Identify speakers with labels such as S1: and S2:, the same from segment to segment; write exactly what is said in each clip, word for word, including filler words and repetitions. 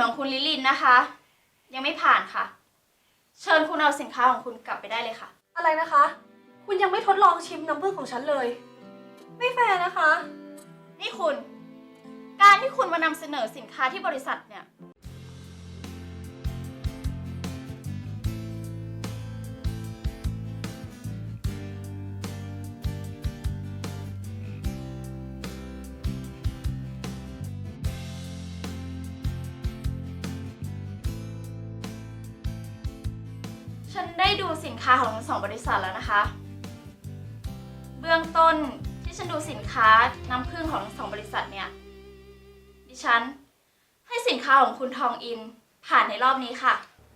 S1: ของคุณลิลินนะคะยังไม่ผ่านค่ะเชิญคุณเอาสินค้าของคุณกลับไปได้เลยค่ะ
S2: อะไรนะคะ คุณยังไม่ทดลองชิมน้ำผึ้งของฉันเลย ไม่แฟร์นะคะ
S1: นี่คุณการที่คุณมานำเสนอสินค้าที่บริษัทเนี่ยฉันได้ดูสินค้าของทั้งสองบริษัทแล้วนะคะเบื้องต้นที่ฉันดูสินค้าน้ำผึ้งของทั้งสองบริษัทเนี่ยดิฉันให้สินค้าของคุณทองอินผ่านในรอบนี้ค่ะ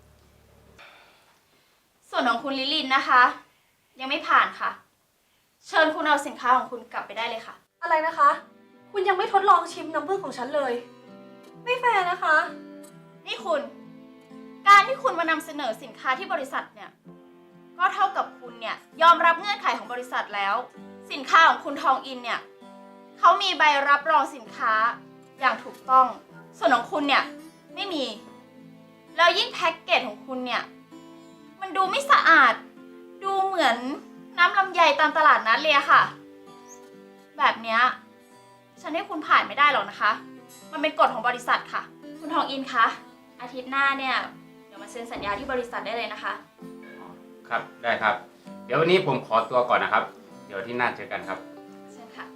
S1: ส่วนของคุณลิลินนะคะยังไม่ผ่านค่ะเชิญคุณเอาสินค้าของคุณกลับไปได้เลยค่ะ
S2: อะไรนะคะ คุณยังไม่ทดลองชิมน้ำผึ้งของฉันเลย ไม่แฟร์นะคะ
S1: นี่คุณการที่คุณมานำเสนอสินค้าที่บริษัทเนี่ยก็เท่ากับคุณเนี่ยยอมรับเงื่อนไขของบริษัทแล้วสินค้าของคุณทองอินเนี่ยเขามีใบรับรองสินค้าอย่างถูกต้องส่วนของคุณเนี่ยไม่มีแล้วยิ่งแพ็กเกจของคุณเนี่ยมันดูไม่สะอาดดูเหมือนน้ำลำไยตามตลาดนัดเลยอะค่ะแบบเนี้ยฉันให้คุณผ่านไม่ได้หรอกนะคะมันเป็นกฎของบริษัทค่ะคุณทองอินคะอาทิตย์หน้าเนี่ยเดี๋ยวมาเซ็นสัญญาที่บริษัทได้เลยนะคะ
S3: ครับได้ครับเดี๋ยววันนี้ผมขอตัวก่อนนะครับเดี๋ยวที่หน้าเจอกันครับ
S1: เชิญค่ะ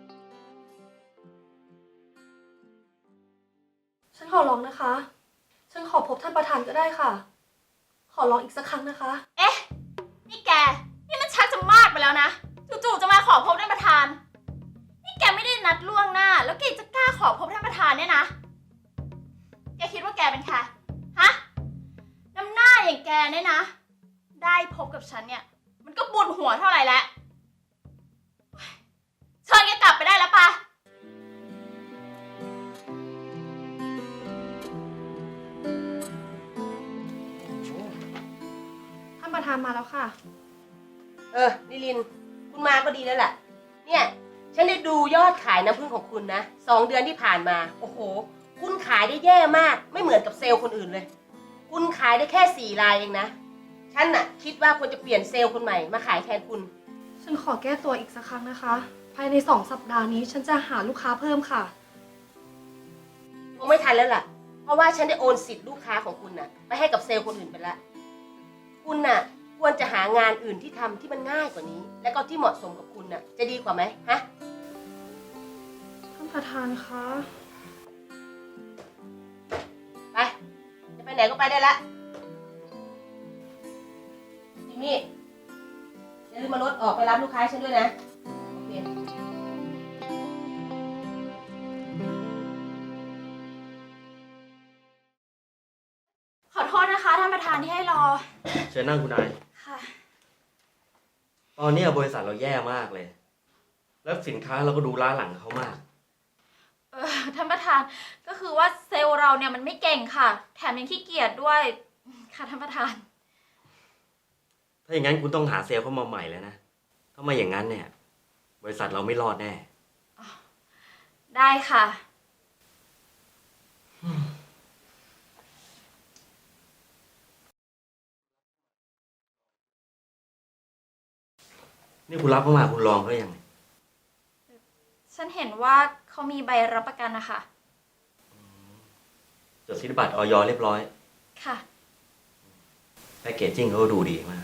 S2: ฉันขอร้องนะคะ ฉันขอพบท่านประธานก็ได้ค่ะ ขอร้องอีกสักครั้งนะคะ
S1: เอ๊ะนี่แกนี่มันชักจะมากไปแล้วนะจู่ๆจะมาขอพบท่านประธานนี่แกไม่ได้นัดล่วงหน้าแล้วแกจะกล้าขอพบท่านประธานเนี่ยนะแกคิดว่าแกเป็นใครฮะน้ำหน้าอย่างแกเนี่ยนะได้พบกับฉันเนี่ยมันก็บุญหัวเท่าไหร่แล้วเชิญแกกลับไปได้แล้วปะ
S2: ท่านประธานมาแล้วค่ะ
S4: เออลิลินคุณมาก็ดีแล้วแหละเนี่ยฉันได้ดูยอดขายน้ำผึ้งของคุณนะสองเดือนที่ผ่านมาโอ้โหคุณขายได้แย่มากไม่เหมือนกับเซลล์คนอื่นเลยคุณขายได้แค่สี่รายเองนะฉันน่ะคิดว่าควรจะเปลี่ยนเซลล์คนใหม่มาขายแทนคุณ
S2: ฉันขอแก้ตัวอีกสักครั้งนะคะ ภายในสองสัปดาห์นี้ฉันจะหาลูกค้าเพิ่มค่ะ
S4: คงไม่ทันแล้วล่ะเพราะว่าฉันได้โอนสิทธิ์ลูกค้าของคุณน่ะไปให้กับเซลล์คนอื่นไปแล้วคุณน่ะควรจะหางานอื่นที่ทำที่มันง่ายกว่านี้ และก็ที่เหมาะสมกับคุณน่ะจะดีกว่าไหมฮะ
S2: ท่านประธานคะ
S4: ไปจะไปไหนก็ไปได้ละจิมมี่อย่าลืมมารถออกไปรับลูกค้าฉันด้วยนะโอเค
S1: ขอโทษนะคะท่านประธานที่ให้รอ
S5: เชิญนั่งคุณนาย
S1: ค่ะ
S5: ตอนนี้บริษัทเราแย่มากเลยแล้วสินค้าเราก็ดูล้าหลังเขามาก
S1: เออท่านประธานก็คือว่าเซลล์เราเนี่ยมันไม่เก่งค่ะแถมยังขี้เกียจด้วยค่ะท่านประธาน
S5: ถ้าอย่างนั้นคุณต้องหาเซลล์เข้ามาใหม่แล้วนะถ้าไม่อย่างนั้นเนี่ยบริษัทเราไม่รอดแน่
S1: ได้ค่ะ
S5: นี่คุณรับเข้ามาคุณลองเขายังไง
S1: ฉันเห็นว่าเขามีใบรับประกันนะคะ
S5: จดสิทธิบัตร อย.เรียบร้อย
S1: ค่ะ
S5: แพคเกจจิ้งเขาดูดีมาก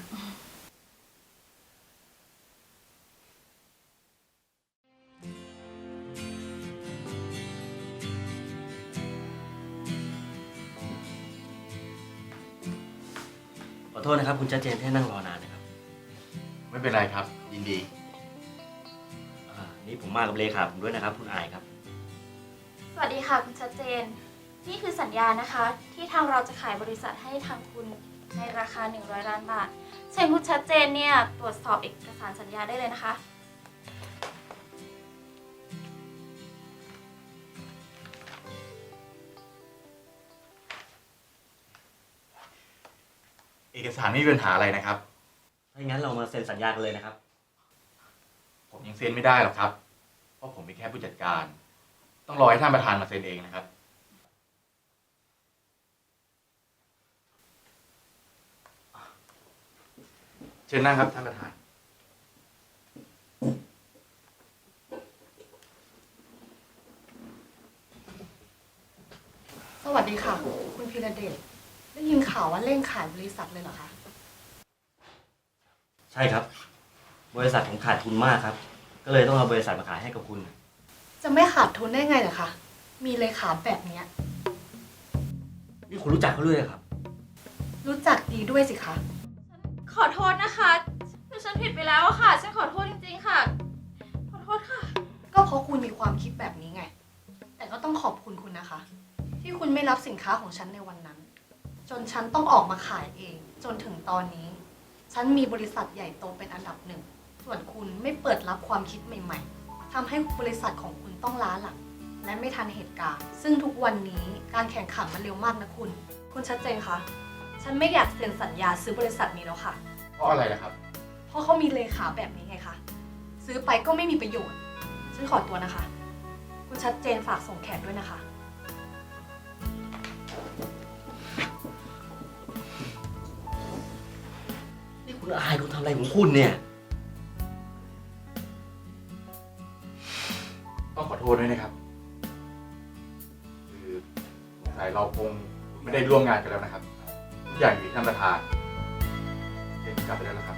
S5: ขอโทษนะครับคุณชัดเจนที่นั่งรอนานนะครับ
S3: ไม่เป็นไรครับยินดี
S5: อ่านี่ผมมากับเลขาผมด้วยนะครับคุณอายครับ
S1: สวัสดีค่ะคุณชัดเจนนี่คือสัญญานะคะที่ทางเราจะขายบริษัทให้ทางคุณในราคาหนึ่งร้อยล้านบาทเชิญคุณชัดเจนเนี่ยตรวจสอบเอกสารสัญญาได้เลยนะคะ
S3: เอกสารไม่มีปัญหาอะไรนะครับ
S5: ถ้าอย่างนั้นเรามาเซ็นสัญญากันเลยนะครับ
S3: ผมยังเซ็นไม่ได้หรอกครับเพราะผมเป็นแค่ผู้จัดการต้องรอให้ท่านประธานมาเซ็นเองนะครับ
S6: เชิญนั่งครับท่านประธาน
S2: สวัสดีค่ะ คุณพีระเดชได้ยินข่าวว่าเร่งขายบริษัทเลยเหรอคะ
S5: ใช่ครับ บริษัทผมขาดทุนมากครับ ก็เลยต้องเอาบริษัทมาขายให้กับคุณ
S2: จะไม่ขาดทุนได้ไงเหรอคะ มีเลขาแบบเนี้ย
S5: นี่คุณรู้จักเขาด้วยเหรอครับ
S2: รู้จักดีด้วยสิคะ
S1: ขอโทษนะคะคือฉันผิดไปแล้วอะค่ะ ฉันขอโทษจริงๆค่ะ ขอโทษค่ะ
S2: ก็เพราะคุณมีความคิดแบบนี้ไง แต่ก็ต้องขอบคุณคุณนะคะ ที่คุณไม่รับสินค้าของฉันในวันนั้น จนฉันต้องออกมาขายเอง จนถึงตอนนี้ ฉันมีบริษัทใหญ่โตเป็นอันดับหนึ่ง ส่วนคุณไม่เปิดรับความคิดใหม่ๆทำให้บริษัทของคุณต้องล้าหลัง และไม่ทันเหตุการณ์ ซึ่งทุกวันนี้การแข่งขันมันเร็วมากนะคุณ คุณชัดเจนคะ ฉันไม่อยากเซ็นสัญญาซื้อบริษัทนี้แล้วค่ะ
S6: เพราะอะไรนะครับ
S2: เพราะเขามีเลขาแบบนี้ไงคะ ซื้อไปก็ไม่มีประโยชน์ ฉันขอตัวนะคะ คุณชัดเจนฝากส่งแขกด้วยนะคะ
S5: นี่คุณอายคุณทำอะไรของคุณเนี่ย
S6: ต้องขอโทษด้วยนะครับ คือสงสัยเราคงไม่ได้ร่วมงานกันแล้วนะครับ ทุกอย่างอยู่ที่ท่านประธานเชิญกลับไปได้แล้วครับ